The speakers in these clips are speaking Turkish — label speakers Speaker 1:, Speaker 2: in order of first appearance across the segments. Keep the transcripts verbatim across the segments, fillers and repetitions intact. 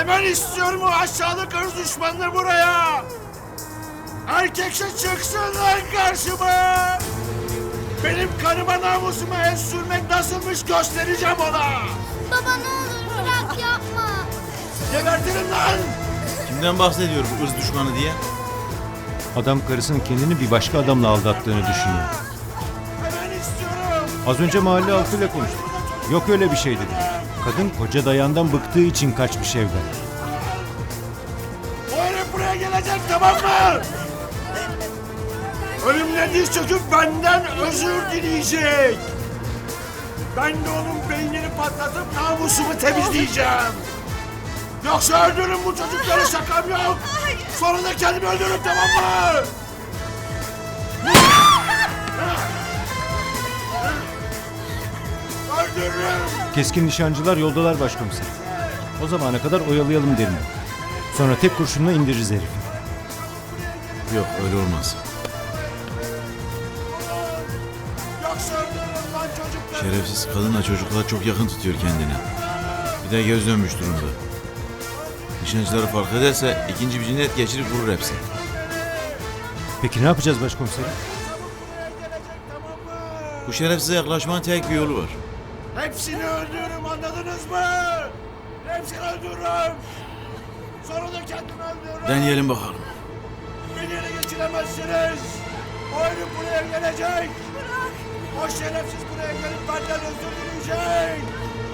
Speaker 1: Hemen istiyorum o aşağılık ırz düşmanını buraya. Erkekse çıksınlar karşıma. Benim kanıma namusuma el sürmek nasılmış göstereceğim ona.
Speaker 2: Baba ne olur bırak yapma.
Speaker 1: Gebertirim lan.
Speaker 3: Kimden bahsediyor bu ırz düşmanı diye?
Speaker 4: Adam karısının kendini bir başka adamla aldattığını düşünüyor.
Speaker 1: Hemen istiyorum.
Speaker 4: Az önce mahalle halkıyla konuştuk. Yok öyle bir şey dedi. Kadın koca dayandan bıktığı için kaçmış evden.
Speaker 1: O herif buraya gelecek, tamam mı? Ölümle diz çöküp benden özür dileyecek. Ben de onun beynini patlatıp namusumu temizleyeceğim. Yoksa öldürürüm bu çocukları, şakam yok. Sonra da kendimi öldürürüm, tamam mı? Öldürürüm.
Speaker 4: Keskin nişancılar yoldalar başkomiserim. O zamana kadar oyalayalım derim. Sonra tek kurşunla indiririz herifi.
Speaker 3: Yok öyle olmaz.
Speaker 1: Yoksa öldürürüm lan çocukları.
Speaker 3: Şerefsiz kadınla çocuklar çok yakın tutuyor kendini. Bir de göz dönmüş durumda. Nişancıları fark ederse ikinci bir cinayet geçirip vurur hepsini.
Speaker 4: Peki ne yapacağız başkomiserim?
Speaker 3: Bu şerefsize yaklaşmanın tek bir yolu var.
Speaker 1: Hepsini öldürürüm, anladınız mı? Hepsini öldürürüm. Sonra da kendimi öldürürüm.
Speaker 3: Deneyelim bakalım.
Speaker 1: Beni ele geçiremezsiniz. O herif buraya gelecek. O şerefsiz buraya gelip benden özür dileyecek.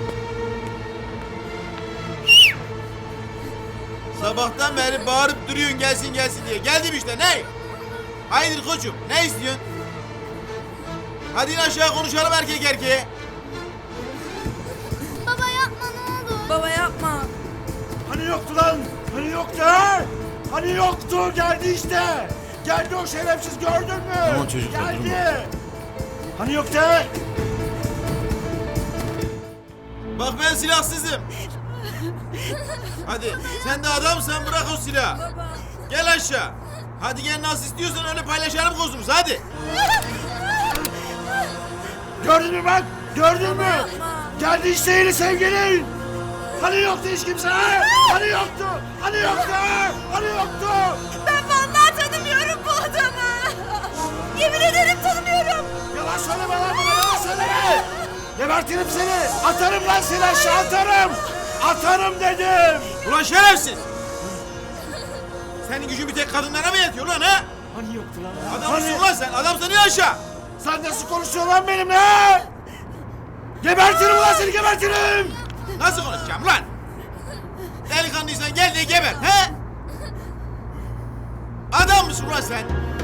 Speaker 3: Sabahtan beri bağırıp duruyorsun gelsin gelsin diye. Geldim işte, ne? Hayırdır koçum, ne istiyorsun? Hadi in aşağı konuşalım erkek erkeğe.
Speaker 2: Baba yapma ne olur.
Speaker 5: Baba yapma.
Speaker 1: Hani yoktu lan? Hani yoktu ha? Hani yoktu, geldi işte. Geldi o şerefsiz, gördün mü?
Speaker 3: Tamam çocuklar,
Speaker 1: geldi.
Speaker 3: durma.
Speaker 1: Hani yoktu ha?
Speaker 3: Bak ben silahsızım. Hadi sen de adamsan bırak o silahı. Gel aşağı. Hadi gel nasıl istiyorsan öyle paylaşalım kozumuzu hadi.
Speaker 1: Gördün mü bak? Gördün mü? Geldi işte yeni sevgilin. Hani yoktu hiç kimse ha? Hani yoktu? Hani yoktu ha? Hani yoktu?
Speaker 5: Ben vallahi tanımıyorum bu adamı. Yemin ederim tanımıyorum.
Speaker 1: Yalan söyleme lan bana, yalan söyleme. Gebertirim seni. Atarım lan seni aşağı, atarım. Atarım dedim.
Speaker 3: Ulan şerefsiz. Senin gücün bir tek kadınlara mı yetiyor lan ha?
Speaker 1: Hani yoktu lan?
Speaker 3: Adam
Speaker 1: Hani?
Speaker 3: mısın lan sen? Adamsan in aşağı.
Speaker 1: Sen nasıl konuşuyorsun lan benimle ha? Gebertirim ulan seni, gebertirim.
Speaker 3: Nasıl konuşacağım lan? Delikanlıysan gel de geber he? Adam mısın ulan sen?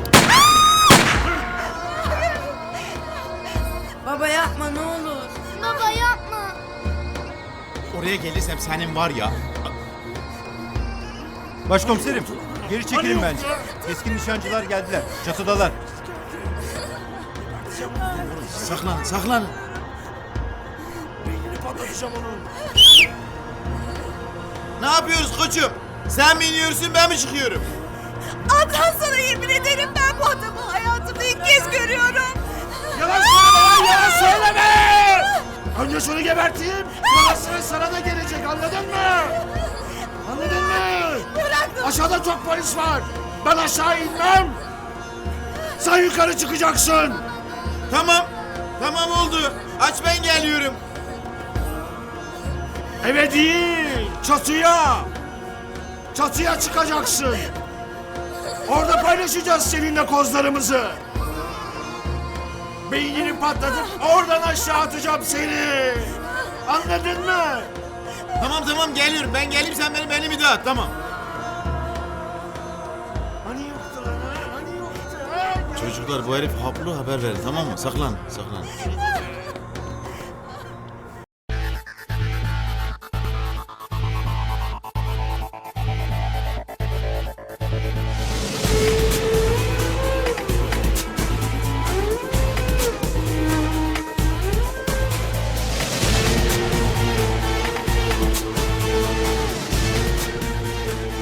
Speaker 5: Baba yapma ne olur.
Speaker 2: Baba yapma.
Speaker 3: Oraya gelirsem senin var ya.
Speaker 4: Başkomiserim, geri çekilin
Speaker 1: Hani
Speaker 4: bence.
Speaker 1: yoktu?
Speaker 4: Keskin nişancılar geldiler. Çatıdalar.
Speaker 3: Saklan, saklan.
Speaker 1: Beynini patlatacağım onun.
Speaker 3: Ne yapıyoruz koçum? Sen mi iniyorsun ben mi çıkıyorum?
Speaker 5: Adnan sana yemin ederim ben bu adamı hayatımda ilk kez görüyorum.
Speaker 1: Yalan söyleme lan, yalan söyleme. Önce şunu geberteyim. Sonra sıra sana da gelecek, anladın mı? Anladın mı? Aşağıda çok polis var. Ben aşağı inmem. Sen yukarı çıkacaksın.
Speaker 3: Tamam, tamam oldu. Aç ben geliyorum.
Speaker 1: Eve değil, çatıya. Çatıya çıkacaksın. Orada paylaşacağız seninle kozlarımızı. Beynini patlatıp oradan aşağı atacağım seni. Anladın mı?
Speaker 3: Tamam tamam geliyorum. Ben geleyim sen benim elimi dağıt tamam.
Speaker 1: Hani yoktu lan ha? Hani yoktu ha?
Speaker 3: Çocuklar bu herif haplı haber verin tamam mı? Saklan, saklan.